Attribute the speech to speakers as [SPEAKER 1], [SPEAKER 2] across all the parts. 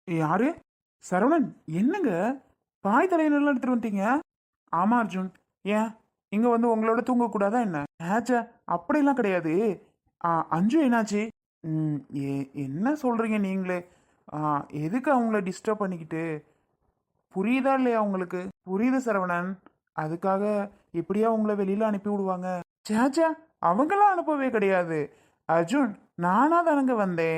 [SPEAKER 1] யாரு? சரவணன், என்னங்க பாய் தலையினெல்லாம் எடுத்துட்டு வந்துட்டீங்க? ஆமா அர்ஜுன். ஏன் இங்க வந்து உங்களோட தூங்கக்கூடாதா என்ன? ஆச்சே, அப்படிலாம் கிடையாது. அஞ்சு என்னாச்சு? ம், என்ன சொல்றீங்க நீங்களே? ஆ, எதுக்கு அவங்கள டிஸ்டர்ப் பண்ணிக்கிட்டு? புரியுதா இல்லையா உங்களுக்கு? புரியுது சரவணன். அதுக்காக இப்படியா உங்களை வெளியில அனுப்பி விடுவாங்க? சேச்சா, அவங்களாம் அனுப்பவே கிடையாது. அர்ஜுன், நானா தானங்க வந்தேன்.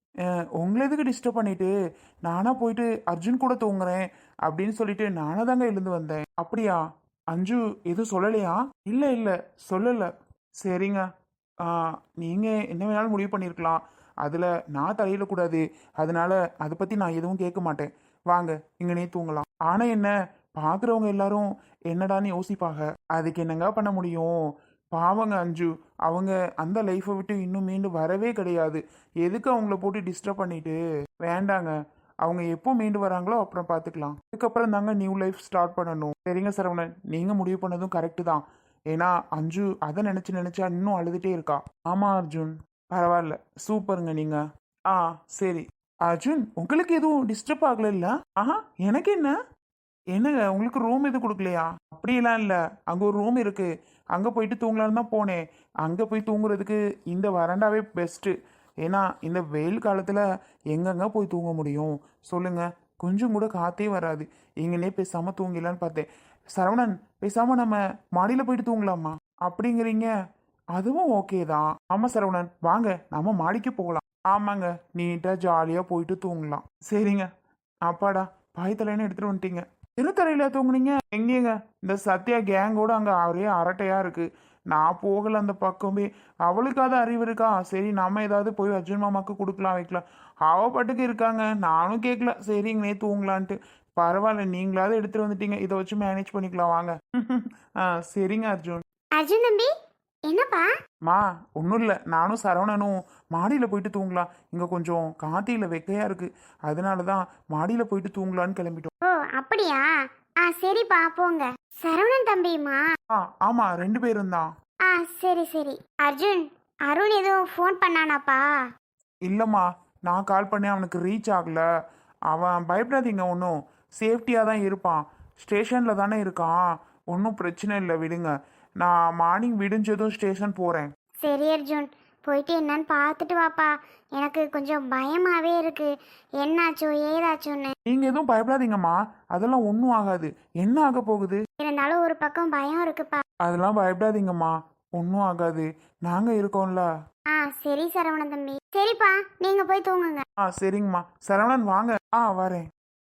[SPEAKER 1] உங்களை எதுக்கு டிஸ்டர்ப் பண்ணிட்டு நானா போயிட்டு அர்ஜுன் கூட தூங்குறேன் அப்படின்னு சொல்லிட்டு நானா தாங்க எழுந்து வந்தேன். அப்படியா? அஞ்சு எதுவும் சொல்லலையா? இல்ல இல்ல, சொல்லல. சரிங்க. ஆ, நீங்க என்ன வேணாலும் முடிவு பண்ணியிருக்கலாம். அதுல நான் தலையிடக்கூடாது. அதனால அதை பத்தி நான் எதுவும் கேட்க மாட்டேன். வாங்க, இங்கனே தூங்கலாம். ஆனா என்ன, பாக்குறவங்க எல்லாரும் என்னடான்னு யோசிப்பாங்க. அதுக்கு என்னங்க பண்ண முடியும்? பாவங்க அஞ்சு. அவங்க அந்த லைஃப்பை விட்டு இன்னும் மீண்டு வரவே கிடையாது. எதுக்கு அவங்கள போட்டு டிஸ்டர்ப் பண்ணிட்டு? வேண்டாங்க. அவங்க எப்போ மீண்டு வராங்களோ அப்புறம் பார்த்துக்கலாம். அதுக்கப்புறம் தாங்க நியூ லைஃப் ஸ்டார்ட் பண்ணணும். சரிங்க சரவணன், நீங்க முடிவு பண்ணதும் கரெக்டு தான். ஏன்னா அஞ்சு அதை நினைச்சு நினைச்சா இன்னும் அழுதுட்டே இருக்கா. ஆமா அர்ஜுன். பரவாயில்ல, சூப்பருங்க நீங்க. ஆ, சரி. அர்ஜுன், உங்களுக்கு எதுவும் டிஸ்டர்ப் ஆகல இல்ல? ஆஹா, எனக்கு என்ன? என்னங்க, உங்களுக்கு ரூம் எதுவும் கொடுக்கலையா? அப்படியெல்லாம் இல்லை, அங்கே ஒரு ரூம் இருக்கு. அங்கே போயிட்டு தூங்கலான்னு தான் போனேன். அங்கே போய் தூங்குறதுக்கு இந்த வராண்டாவே பெஸ்ட்டு. ஏன்னா இந்த வெயில் காலத்தில் எங்கெங்க போய் தூங்க முடியும் சொல்லுங்க? கொஞ்சம் கூட காத்தே வராது. இங்கனே பேசாமல் தூங்கிடலான்னு பார்த்தேன். சரவணன், பேசாமல் நம்ம மாடியில் போயிட்டு தூங்கலாமா அப்படிங்கிறீங்க? அதுவும் ஓகே தான். ஆமாம் சரவணன், வாங்க நம்ம மாடிக்கு போகலாம். ஆமாங்க, நீட்டாக ஜாலியாக போயிட்டு தூங்கலாம். சரிங்க. அப்பாடா, பாய் தலைன்னு எடுத்துட்டு வந்துட்டீங்க. திருத்தரையில தூங்குனீங்க? எங்கேங்க, இந்த சத்யா கேங்கோட அங்கே ஒரே அரட்டையா இருக்கு. நான் போகல அந்த பக்கமே. அவளுக்காவது அறிவு இருக்கா? சரி, நம்ம ஏதாவது போய் அர்ஜுன் மாமாக்கு கொடுக்கலாம் வைக்கலாம். அவ பாட்டுக்கு இருக்காங்க. நானும் கேட்கல. சரி, இங்கனே தூங்கலான்ட்டு. பரவாயில்ல, நீங்களாவது எடுத்துட்டு வந்துட்டீங்க. இதை வச்சு மேனேஜ் பண்ணிக்கலாம் வாங்க. ஆ, சரிங்க அர்ஜுன்.
[SPEAKER 2] அர்ஜுன் தம்பி, என்னப்பா?
[SPEAKER 1] மா, ஒன்றும் இல்லை. நானும் சரவணனும் மாடியில் போயிட்டு தூங்கலாம். இங்கே கொஞ்சம் காத்தியில் வெக்கையாக இருக்குது. அதனால தான் மாடியில் போயிட்டு தூங்கலான்னு கிளம்பிட்டோம்.
[SPEAKER 2] ஓ, அப்படியா? சரிப்பா, போங்க. சரவணன் தம்பியுமா?
[SPEAKER 1] ஆமாம், 2 பேரும் தான்.
[SPEAKER 2] ஆ, சரி சரி. அர்ஜுன், அருண் எதுவும் ஃபோன் பண்ணானாப்பா?
[SPEAKER 1] இல்லைம்மா, நான் கால் பண்ணி அவனுக்கு ரீச் ஆகலை. அவன் பயப்படாதீங்க, ஒன்றும் சேஃப்டியாக தான் இருப்பான். ஸ்டேஷனில் தானே இருக்கான். ஒன்றும் பிரச்சனை இல்லை, விடுங்க. நான் மார்னிங் விடிஞ்சதும் ஸ்டேஷன் போகிறேன்.
[SPEAKER 2] சரி அர்ஜுன், போயிட்டு என்னன்னு பார்த்துட்டு வாப்பா. எனக்கு கொஞ்சம் பயமாவே இருக்கு. என்னாச்சோ ஏதாச்சோன்னு.
[SPEAKER 1] நீங்கள் எதுவும் பயப்படாதீங்கம்மா. அதெல்லாம் ஒன்றும் ஆகாது. என்ன ஆக போகுது?
[SPEAKER 2] இருந்தாலும் ஒரு பக்கம் பயம் இருக்குப்பா.
[SPEAKER 1] அதெல்லாம் பயப்படாதீங்கம்மா, ஒன்றும் ஆகாது. நாங்கள் இருக்கோம்ல.
[SPEAKER 2] சரி சரவணன் தம்பி. சரிப்பா, நீங்க போய் தூங்குங்க.
[SPEAKER 1] சரிங்கம்மா. சரவணன் வாங்க. வரேன்.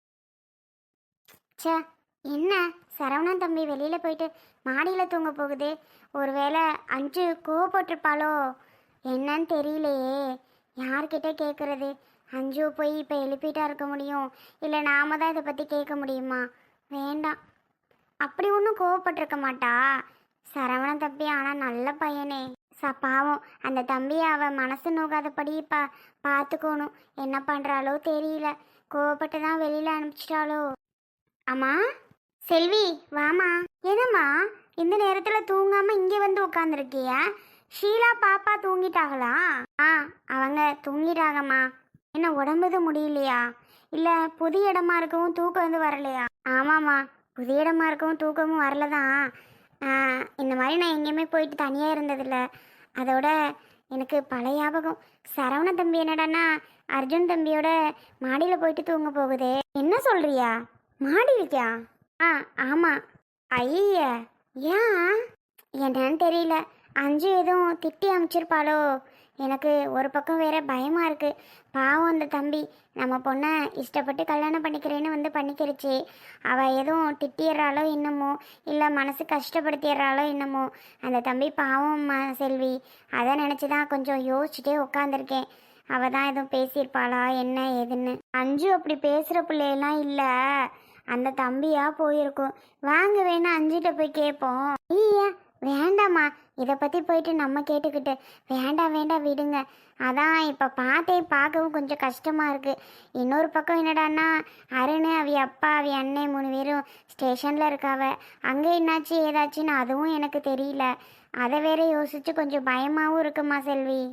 [SPEAKER 2] ச்சே, என்ன சரவணன் தம்பி வெளியில போயிட்டு மாடியில தூங்க போகுது. ஒருவேளை அஞ்சு கோவப்பட்டிருப்பாளோ என்னன்னு தெரியலையே. யார்கிட்ட கேட்கறது? அஞ்சு போய் இப்போ எழுப்பிட்டா இருக்க முடியும், இல்லை நாம தான் இதை பற்றி கேட்க முடியுமா? வேண்டாம், அப்படி ஒன்றும் கோவப்பட்டிருக்க மாட்டா சரவணன் தம்பி. ஆனால் நல்ல பையனே. பாவம் அந்த தம்பியை அவன் மனசு நோகாதபடி பார்த்துக்கணும். என்ன பண்ணுறாளோ தெரியல. கோவப்பட்டு தான் வெளியில் அனுப்பிச்சிட்டாளோ? அம்மா, செல்வி வாமா. என்னம்மா இந்த நேரத்தில் தூங்காம இங்கே வந்து உட்காந்துருக்கிய? ஷீலா பாப்பா தூங்கிட்டாங்களா? அவங்க தூங்கிட்டாங்கம்மா. என்ன உடம்புது முடியலையா? இல்லை புதிய இடமா இருக்கவும் தூக்கம் வந்து வரலையா? ஆமாம்மா, புதிய இடமா இருக்கவும் தூக்கமும் வரலதான். இந்த மாதிரி நான் எங்கேயுமே போயிட்டு தனியாக இருந்ததில்ல. அதோட எனக்கு பழைய ஞாபகம். சரவண தம்பி என்னடான்னா அர்ஜுன் தம்பியோட மாடியில் போயிட்டு தூங்க போகுதே. என்ன சொல்றியா? மாடியிலைக்கா? ஆமாம். ஐய, ஏன்? என்னன்னு தெரியல. அஞ்சு எதுவும் திட்டி அமைச்சிருப்பாளோ? எனக்கு ஒரு பக்கம் வேற பயமாக இருக்குது. பாவம் அந்த தம்பி நம்ம பொண்ணை இஷ்டப்பட்டு கல்யாணம் பண்ணிக்கிறேன்னு வந்து பண்ணிக்கிருச்சு. அவள் எதுவும் திட்டிடுறாளோ என்னமோ, இல்லை மனசு கஷ்டப்படுத்திடுறாளோ என்னமோ. அந்த தம்பி பாவம் செல்வி. அதை நினச்சி தான் கொஞ்சம் யோசிச்சுட்டே உட்காந்துருக்கேன். அவள் தான் எதுவும் பேசியிருப்பாளா என்ன ஏதுன்னு. அஞ்சு அப்படி பேசுகிற பிள்ளையெல்லாம் இல்லை. அந்த தம்பியா போயிருக்கும். வாங்க, வேணா அஞ்சிட்ட போய் கேட்போம். ஐயா, வேண்டாம்மா, இதை பற்றி போயிட்டு நம்ம கேட்டுக்கிட்டு. வேண்டாம் வேண்டாம், விடுங்க. அதான் இப்போ பார்க்கவும் கொஞ்சம் கஷ்டமாக இருக்குது. இன்னொரு பக்கம் என்னடான்னா அருண் அவி அப்பா அவி அண்ணன் 3 பேரும் ஸ்டேஷனில் இருக்காவ. அங்கே என்னாச்சு ஏதாச்சுன்னு அதுவும் எனக்கு தெரியல. அதை வேற யோசிச்சு கொஞ்சம் பயமாகவும் இருக்குமா செல்வி.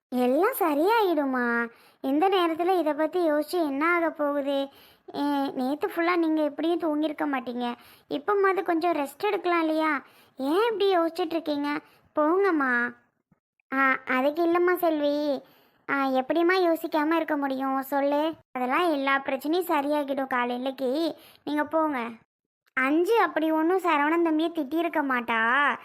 [SPEAKER 2] எல்லாம் சரியாயிடுமா. இந்த நேரத்தில் இதை பற்றி யோசிச்சு என்ன ஆக போகுது? நேற்று ஃபுல்லாக நீங்கள் எப்படியும் தூங்கியிருக்க மாட்டீங்க. இப்போமாவது கொஞ்சம் ரெஸ்ட் எடுக்கலாம் இல்லையா? ஏன் இப்படி யோசிச்சுட்டு இருக்கீங்க? போங்கம்மா. அதுக்கு இல்லைம்மா செல்வி. எப்படிம்மா யோசிக்காமல் இருக்க முடியும் சொல்லு? அதெல்லாம் எல்லா பிரச்சனையும் சரியாகிடும் காலையிலக்கு. நீங்கள் போங்க. அஞ்சு அப்படி ஒன்றும் சரவணன் தம்பியை திட்டியிருக்க மாட்டா.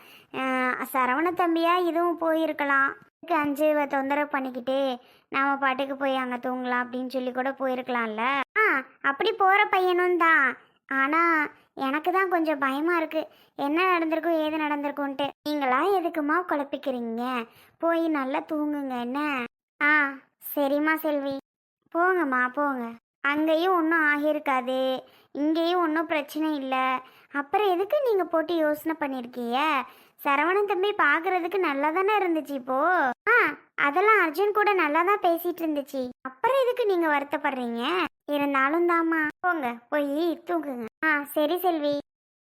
[SPEAKER 2] சரவண தம்பியா இதுவும் போயிருக்கலாம். இதுக்கு அஞ்சுவை தொந்தரவு பண்ணிக்கிட்டு நாம் பாட்டுக்கு போய் அங்கே தூங்கலாம் அப்படின்னு சொல்லி கூட போயிருக்கலாம்ல. அப்படி போகிற பையனும் தான். ஆனால் எனக்கு தான் கொஞ்சம் பயமாக இருக்குது. என்ன நடந்திருக்கும் ஏது நடந்திருக்கும்ன்ட்டு. நீங்களா எதுக்குமா குழப்பிக்கிறீங்க? போய் நல்லா தூங்குங்க என்ன. சரிம்மா செல்வி. போங்கம்மா போங்க. அங்கேயும் ஒன்றும் ஆகியிருக்காது, இங்கேயும் ஒன்றும் பிரச்சனை இல்லை. அப்புறம் எதுக்கு நீங்கள் போட்டு யோசனை பண்ணியிருக்கீங்க? சரவணன் தம்பி பார்க்கறதுக்கு நல்லா தானே இருந்துச்சு இப்போ. அதெல்லாம் அர்ஜுன் கூட நல்லா தான் பேசிட்டு இருந்துச்சு. அப்புறம் எதுக்கு நீங்கள் வருத்தப்படுறீங்க? இருந்தாலும் தாம்மா போங்க, போய் தூங்குங்க. சரி செல்வி.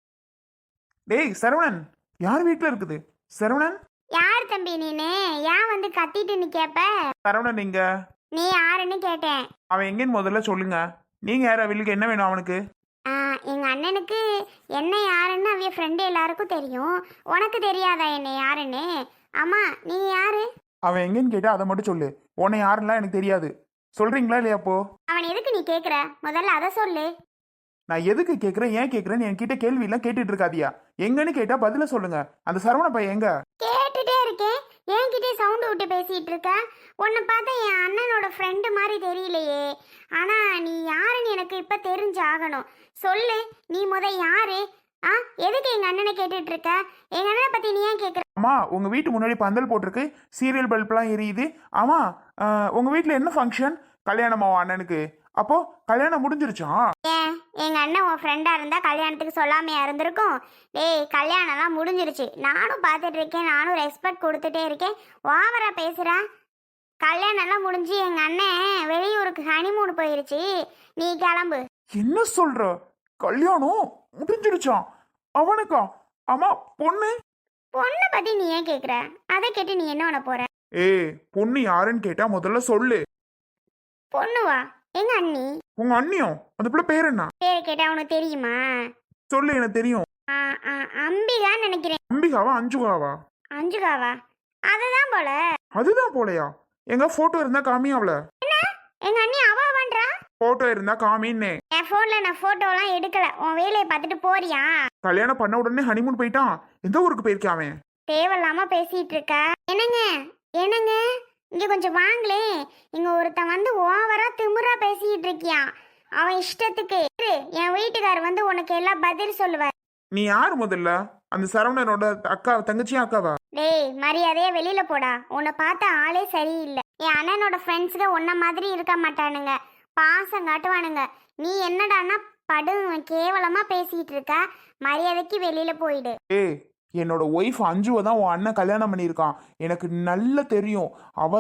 [SPEAKER 1] டேய் சரவணன், யார் வீட்டில் இருக்குது? சரவணன்
[SPEAKER 2] யார் தம்பி நீனு? ஏன் வந்து கத்திட்டு நீ கேப்ப?
[SPEAKER 1] சரவணன் நீங்க?
[SPEAKER 2] நீ யாருன்னு கேட்டேன்.
[SPEAKER 1] அவன் எங்கேன்னு முதல்ல சொல்லுங்க. நீங்க யார்? அவளுக்கு என்ன வேணும் அவனுக்கு?
[SPEAKER 2] எங்க அண்ணனுக்கு என்ன யாருன்னு அவைய ஃப்ரெண்டு எல்லாருக்கும் தெரியும். உனக்கு தெரியாதா என்ன யாருன்னு? ஆமா, நீ யாரு?
[SPEAKER 1] அவன் எங்கேன்னு கேட்டா அதை மட்டும் சொல்லு. உன்னை யாருன்னா எனக்கு தெரியாது. சொல்றீங்களா இல்லையா? அப்போ
[SPEAKER 2] அவன் எதுக்கு நீ கேக்குற? முதல்ல அதை சொல்லு.
[SPEAKER 1] நான் எதுக்கு கேட்குறேன் ஏன் கேட்குறேன்னு என்கிட்ட கேள்வி எல்லாம் கேட்டுட்டு இருக்காதியா. எங்கன்னு கேட்டா பதில சொல்லுங்க. அந்த சரவண பையன் எங்க?
[SPEAKER 2] கேட்டுட்டே இருக்கேன். என்கிட்டே சவுண்டு விட்டு பேசிட்டு இருக்க. உன்னை பார்த்தா என் அண்ணனோட ஃப்ரெண்டு மாதிரி தெரியலையே. ஆனா நீ யாருன்னு எனக்கு இப்ப தெரிஞ்சாகணும். சொல்லு, நீ யாரு? எதுக்கு எங்க அண்ணனை கேட்டுட்டு இருக்க? எங்க அண்ணனை பத்தி நீ ஏன் கேக்குற?
[SPEAKER 1] அம்மா, உங்க வீட்டு முன்னாடி பந்தல் போட்டிருக்கு, சீரியல் பல்ப்லாம் எரியுது. ஆமா, உங்க வீட்டுல என்ன ஃபங்க்ஷன்? கல்யாணமா அண்ணனுக்கு? அப்போ கல்யாணம் முடிஞ்சிருச்சா?
[SPEAKER 2] ஏன் எங்க அண்ணன் உன் ஃப்ரெண்டா இருந்தா கல்யாணத்துக்கு சொல்லாமையா இருந்திருக்கும்? டேய், கல்யாணம்லாம் முடிஞ்சிருச்சு. நானும் பார்த்துட்டு இருக்கேன், நானும் ரெஸ்பெக்ட் கொடுத்துட்டே இருக்கேன். ஓவரா பேசுற. கல்யாணம்லாம் முடிஞ்சு எங்க அண்ணன் வெளியூருக்கு ஹனிமூன் போயிருச்சு. நீ கிளம்பு.
[SPEAKER 1] என்ன சொல்ற? கல்யாணம் முடிஞ்சிருச்சான் அவனுக்கா? ஆமா, பொண்ணு
[SPEAKER 2] பொண்ணை பத்தி நீ ஏன் கேக்குற? அதை கேட்டு நீ என்ன பண்ண போற?
[SPEAKER 1] பொண்ணு யாருன்னு கேட்டா முதல்ல சொல்லு.
[SPEAKER 2] பொண்ணுவா? எங்க அண்ணி.
[SPEAKER 1] உங்க அண்ணியும்? அந்த பிள்ளை பேர் என்ன?
[SPEAKER 2] பேரை கேட்டா உனக்கு தெரியுமா?
[SPEAKER 1] சொல்லு, எனக்கு தெரியும்.
[SPEAKER 2] அம்பிகான்னு நினைக்கிறேன்.
[SPEAKER 1] அம்பிகாவா அஞ்சுகாவா?
[SPEAKER 2] அஞ்சுகாவா? அதுதான் போல.
[SPEAKER 1] அதுதான் போலையா? எங்க போட்டோ இருந்தா காமி அவள.
[SPEAKER 2] என்ன? எங்க அண்ணி அவ பண்றா?
[SPEAKER 1] போட்டோ இருந்தா காமின்னே.
[SPEAKER 2] என் போன்ல நான் போட்டோலாம் எடுக்கல. உன் வேலையை பார்த்துட்டு போறியா?
[SPEAKER 1] கல்யாணம் பண்ண உடனே ஹனிமூன் போயிட்டான். எந்த ஊருக்கு போயிருக்கான் அவன்?
[SPEAKER 2] தேவையில்லாம பேசிட்டு இருக்க. என்னங்க என்னங்க, இங்க கொஞ்சம் வாங்களே. இங்க ஒருத்தன் வந்து ஓவரா திமிரா பேசிட்டு இருக்கியான். அவன் இஷ்டத்துக்கு. என் வீட்டுக்காரர் வந்து உனக்கு எல்லாம் பதில் சொல்லுவார்.
[SPEAKER 1] நீ யாரு முதல்ல? அந்த சரவணனோட அக்கா, தங்கச்சியா அக்காவா?
[SPEAKER 2] டேய், மரியாதையா வெளியில போடா. உன்னை பார்த்த ஆளே சரியில்லை. என் அண்ணனோட ஃப்ரெண்ட்ஸுங்க உன்ன மாதிரி இருக்க மாட்டானுங்க. பாசம் காட்டுவானுங்க. நீ என்னடான்னா கேவலமா பேசிட்டு இருக்க. மரியாதைக்கு வெளியில போயிடு.
[SPEAKER 1] என்னோட ஒய்ஃப் அஞ்சுவை தான் உன் அண்ணன் கல்யாணம் பண்ணியிருக்கான். எனக்கு நல்லா தெரியும்.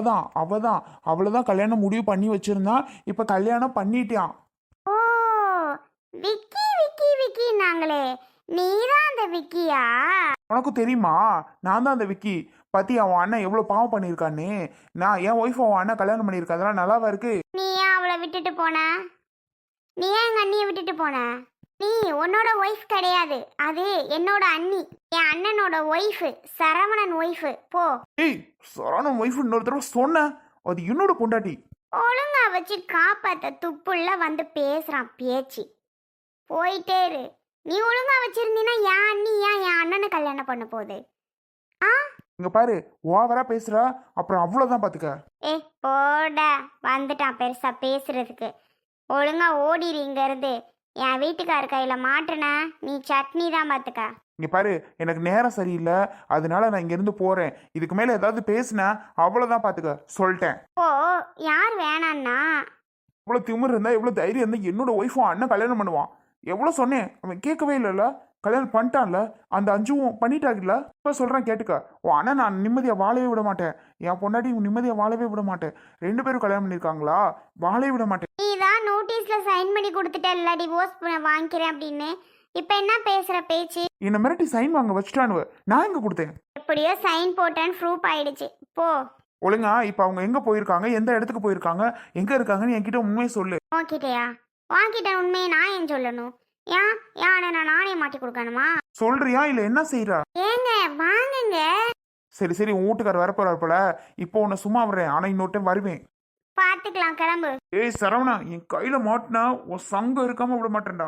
[SPEAKER 1] அவளதான் கல்யாணம் முடிவு பண்ணி வச்சிருந்தான். இப்ப கல்யாணம் பண்ணிட்டான்.
[SPEAKER 2] ஓ, விக்கி விக்கி விக்கி நாங்களே. நீதான் அந்த விக்கியா?
[SPEAKER 1] உனக்கு தெரியுமா? நான் தான் அந்த விக்கி. பத்தி அவன் அண்ணன் எவ்வளவு பாவம் பண்ணியிருக்கான்னு. நான் என் ஒய்ஃப் அவன் அண்ணன் கல்யாணம் பண்ணியிருக்கா. அதெல்லாம் நல்லாவா இருக்கு?
[SPEAKER 2] நீ ஏன் அவளை விட்டுட்டு போன? நீ ஏன் எங்க அண்ணியை விட்டுட்டு போன? நீ உன்னோட ஒய்ஃப் கிடையாது, அது என்னோட அண்ணி. என் அண்ணனோட ஒய்ஃப், சரவணன் ஒய்ஃப். போ.
[SPEAKER 1] சரவணன் ஒய்ஃப் இன்னொரு தடவை சொன்ன, அது என்னோட பொண்டாட்டி.
[SPEAKER 2] ஒழுங்கா வச்சு காப்பாத்த துப்புள்ள வந்து பேசுறான் பேச்சு. போயிட்டே இரு. நீ ஒழுங்கா வச்சிருந்தீன்னா என் அண்ணி ஏன் என் அண்ணனை கல்யாணம் பண்ண போகுது?
[SPEAKER 1] இங்க பாரு, ஓவரா பேசுறா, அப்புறம் அவ்வளவுதான் பாத்துக்க.
[SPEAKER 2] போட வந்துட்டான் பெருசா பேசுறதுக்கு. ஒழுங்கா ஓடிடு இங்க இருந்து. என் வீட்டுக்கார கையில மாட்டுன நீ சட்னி தான் பாத்துக்க.
[SPEAKER 1] இங்க பாரு, எனக்கு நேரம் சரியில்லை, அதனால நான் இங்க இருந்து போறேன். இதுக்கு மேல ஏதாவது பேசுனா அவ்வளவுதான் பாத்துக்க, சொல்லிட்டேன்.
[SPEAKER 2] ஓ, யார் வேணான்னா?
[SPEAKER 1] இவ்வளவு திமிர் இருந்தா, எவ்வளவு தைரியம் இருந்தா என்னோட ஒய்ஃபும் அண்ணன் கல்யாணம் பண்ணுவான். எவ்வளவு சொன்னேன், அவன் கேட்கவே இல்லைல்ல. கல்யாணம் பண்ணிட்டான்ல, அந்த அஞ்சுவும் பண்ணிட்டாங்கல்ல. இப்ப சொல்றேன் கேட்டுக்க. உன் அண்ணன் நான் நிம்மதியா வாழவே விட மாட்டேன். என் பொண்டாட்டி நிம்மதியா வாழவே விட மாட்டேன். 2 பேரும் கல்யாணம் பண்ணிருக்காங்களா, வாழவே விட மாட்டேன்.
[SPEAKER 2] நீதான் நோட்டீஸ்ல சைன் பண்ணி கொடுத்துட்டல்ல, டிவோர்ஸ் வாங்கிக்கிறேன் அப்படின்னு. இப்ப என்ன பேசுற பேச்சு?
[SPEAKER 1] என்ன மிரட்டி சைன் வாங்க வச்சுட்டானுவ. நான் எங்க கொடுத்தேன்?
[SPEAKER 2] எப்படியோ சைன் போட்டேன்னு ப்ரூஃப் ஆயிடுச்சு. போ.
[SPEAKER 1] ஒழுங்கா இப்போ அவங்க எங்க போயிருக்காங்க, எந்த இடத்துக்கு போயிருக்காங்க, எங்க இருக்காங்கன்னு என்கிட்ட உண்மையை சொல்லு.
[SPEAKER 2] உன்கிட்டயா? உன்கிட்ட உண்மையை நான் ஏன் சொல்லணும்? ஏன் ஏன் நான் நானே மாட்டி கொடுக்கணுமா?
[SPEAKER 1] சொல்றியா இல்ல என்ன செய்யறா?
[SPEAKER 2] ஏங்க வாங்குங்க.
[SPEAKER 1] சரி சரி, உன் வீட்டுக்காரர் வரப்போறாரு போல. இப்போ உன்னை சும்மா விடுறேன், ஆனா இன்னொரு டைம் வருவேன்.
[SPEAKER 2] பார்த்துக்கலாம், கிளம்பு.
[SPEAKER 1] ஏய் சரவணா, என் கையில மாட்டினா உன் சங்கம் இருக்காம விட மாட்டேன்டா.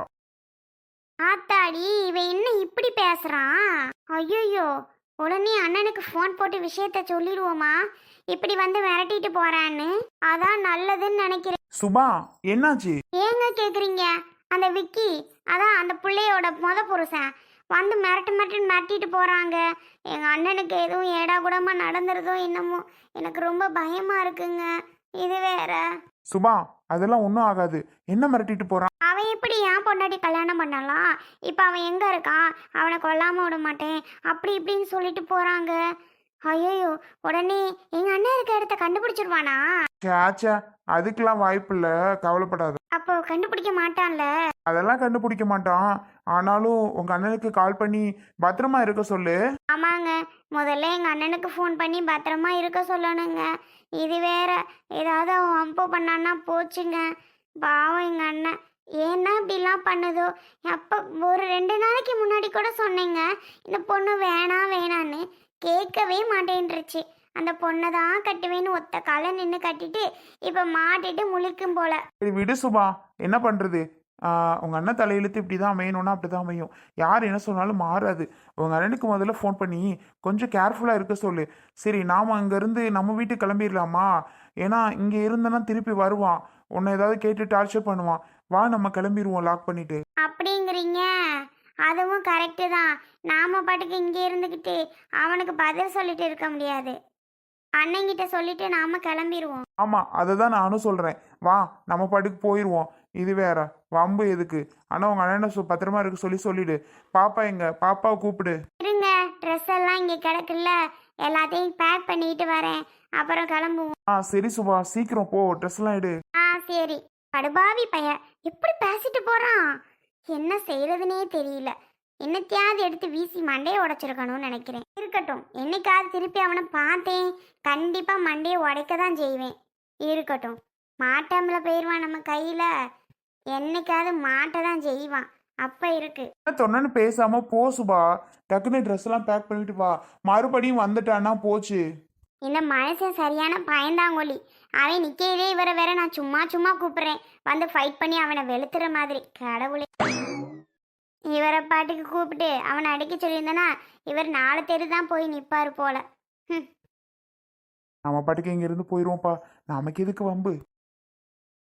[SPEAKER 2] ஆத்தாடி இவன் என்ன இப்படி பேசுறான்? ஐயோ, உடனே அண்ணனுக்கு ஃபோன் போட்டு விஷயத்த சொல்லிடுவோமா? இப்படி வந்து மிரட்டிட்டு போறான்னு. அதான் நல்லதுன்னு நினைக்கிறேன்.
[SPEAKER 1] சுபா, என்னாச்சு?
[SPEAKER 2] ஏங்க கேக்குறீங்க? அந்த விக்கி, அதான் அந்த பிள்ளையோட புருஷன் வந்து மிரட்டிட்டு போறாங்க. எங்க அண்ணனுக்கு எதுவும் ஏடா கூடமா நடந்துருதோ என்னமோ, எனக்கு ரொம்ப பயமா இருக்குங்க. இது வேற.
[SPEAKER 1] சுபா, அதெல்லாம் ஒன்றும் ஆகாது. என்ன மிரட்டிட்டு போறான்?
[SPEAKER 2] அவன் எப்படி என் பொண்டாட்டி கல்யாணம் பண்ணலாம்? இப்போ அவன் எங்க இருக்கான்? அவனை கொல்லாம விட மாட்டேன் அப்படி இப்படின்னு சொல்லிட்டு போறாங்க. ஐயோ, உடனே எங்க அண்ணன் இருக்க இடத்த கண்டுபிடிச்சிருவானா?
[SPEAKER 1] சேச்சா, அதுக்கெல்லாம் வாய்ப்பு இல்ல, கவலைப்படாத.
[SPEAKER 2] அப்போ கண்டுபிடிக்க மாட்டான்ல?
[SPEAKER 1] அதெல்லாம் கண்டுபிடிக்க மாட்டான். ஆனாலும் உங்க அண்ணனுக்கு கால் பண்ணி பத்திரமா இருக்க சொல்லு.
[SPEAKER 2] ஆமாங்க, முதல்ல எங்க அண்ணனுக்கு ஃபோன் பண்ணி பத்திரமா இருக்க சொல்லணுங்க. இது வேற, ஏதாவது அவன் வம்பு பண்ணான்னா போச்சுங்க. பாவம் எங்க அண்ணன். ஏன்னா இப்படிலாம் பண்ணுதோ? அப்போ ஒரு 2 நாளைக்கு முன்னாடி கூட சொன்னேங்க, இந்த பொண்ணு வேணாம் வேணான்னு. கேட்கவே மாட்டேன்ருச்சு. அந்த பொண்ணை தான் கட்டுவேன்னு ஒத்த காலை நின்று கட்டிட்டு இப்போ மாட்டிட்டு முழிக்கும் போல.
[SPEAKER 1] சரி விடு சுபா, என்ன பண்றது? உங்க அண்ணன் தலையெழுத்து இப்படிதான் அமையணும்னா அப்படிதான் அமையும். யார் என்ன சொன்னாலும் மாறாது. உங்க அண்ணனுக்கு முதல்ல ஃபோன் பண்ணி கொஞ்சம் கேர்ஃபுல்லா இருக்க சொல்லு. சரி, நாம அங்கிருந்து நம்ம வீட்டுக்கு கிளம்பிடலாமா? ஏன்னா இங்க இருந்தனா திருப்பி வருவான், உன்னை ஏதாவது கேட்டு டார்ச்சர் பண்ணுவான். வா நம்ம கிளம்பிடுவோம் லாக் பண்ணிட்டு.
[SPEAKER 2] அப்படிங்கிறீங்க? அதுவும் கரெக்டு தான். நாம பாட்டுக்கு இங்கே இருந்துக்கிட்டு அவனுக்கு பதில் சொல்லிட்டு இருக்க முடியாது. அண்ணங்கிட்ட சொல்லிட்டு நாம கிளம்பிடுவோம்.
[SPEAKER 1] ஆமா, அதை தான் நானும் சொல்றேன். வா நம்ம பாட்டுக்கு போயிடுவோம். இது வேற வம்பு எதுக்கு? ஆனா உங்க அண்ணனை பத்திரமா இருக்க சொல்லிடு. பாப்பா எங்க? பாப்பாவை கூப்பிடு.
[SPEAKER 2] இருங்க, ட்ரெஸ் எல்லாம் இங்கே கிடக்குல்ல, எல்லாத்தையும் பேக் பண்ணிட்டு வரேன், அப்புறம் கிளம்புவோம்.
[SPEAKER 1] சரி சுபா, சீக்கிரம் போ, ட்ரெஸ் எல்லாம் எடு.
[SPEAKER 2] சரி. படுபாவி பையன் எப்படி பேசிட்டு போறான்? என்ன செய்யறதுனே தெரியல. என்னத்தையாவது எடுத்து வீசி மண்டையை உடைச்சிருக்கணும்னு நினைக்கிறேன். இருக்கட்டும், என்னைக்காவது திருப்பி அவனை பார்த்தேன், கண்டிப்பா மண்டையை உடைக்க தான் செய்வேன். இருக்கட்டும், மாட்டாமல போயிடுவான் நம்ம கையில. என்னைக்காவது மாட்ட தான் செய்வான். அப்ப இருக்கு.
[SPEAKER 1] தொன்னு பேசாம போ சுபா. டக்குன்னு ட்ரெஸ் எல்லாம் பேக் பண்ணிட்டு வா. மறுபடியும் வந்துட்டான்னா போச்சு.
[SPEAKER 2] இந்த மனுஷன் சரியான பயந்தாங்கொல்லி. அவன் நிற்கிறதே இவரை வேற நான் சும்மா சும்மா கூப்பிட்றேன், வந்து ஃபைட் பண்ணி அவனை வெளுத்துற மாதிரி. கடவுளே, இவரை பாட்டுக்கு கூப்பிட்டு அவனை அடிக்க சொல்லியிருந்தேன்னா இவர் 4 தெரு தான் போய் நிற்பார் போல.
[SPEAKER 1] நம்ம பாட்டுக்கு இங்க இருந்து போயிருவோம்ப்பா. நமக்கு எதுக்கு வம்பு?